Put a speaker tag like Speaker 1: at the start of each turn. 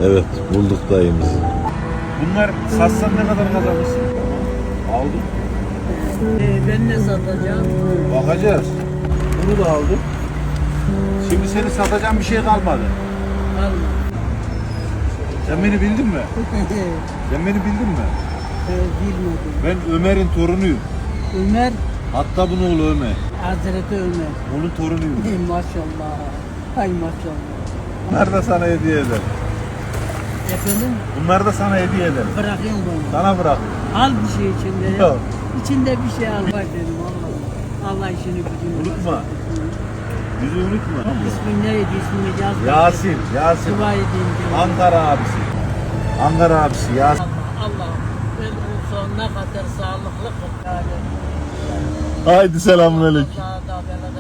Speaker 1: Evet, bulduk dayımızı.
Speaker 2: Bunlar satsan ne kadar kazanırsın? Aldım.
Speaker 3: Ben ne satacağım?
Speaker 2: Bakacağız. Bunu da aldım. Şimdi seni satacağım bir şey kalmadı.
Speaker 3: Alma.
Speaker 2: Sen beni bildin mi? Sen beni bildin mi?
Speaker 3: Bilmedim.
Speaker 2: Ben Ömer'in torunuyum.
Speaker 3: Ömer,
Speaker 2: Hatta bunun oğlu Ömer.
Speaker 3: Hazreti Ömer.
Speaker 2: Onun torunuyum.
Speaker 3: Maşallah. Hay maşallah.
Speaker 2: Bunlar da sana hediye eder.
Speaker 3: Efendim?
Speaker 2: Bunlar da sana hediye eder.
Speaker 3: Bırakayım bunu.
Speaker 2: Sana bırak.
Speaker 3: Al bir şey içinde. ya.
Speaker 2: Yok.
Speaker 3: İçinde bir şey al. Bak dedim Allah. Allah işini gücünü.
Speaker 2: Unutma. Yüzü unutma.
Speaker 3: İsmin neydi? İsmini yaz.
Speaker 2: Yasin. Yasin.
Speaker 3: Dua edeyim diyorum.
Speaker 2: Ankara abisi. Ankara abisi Yasin.
Speaker 3: Allah. Ben sonuna kadar sağlıklı kıl. Yani.
Speaker 1: Haydi selamünaleyküm.
Speaker 3: Allah'a da bela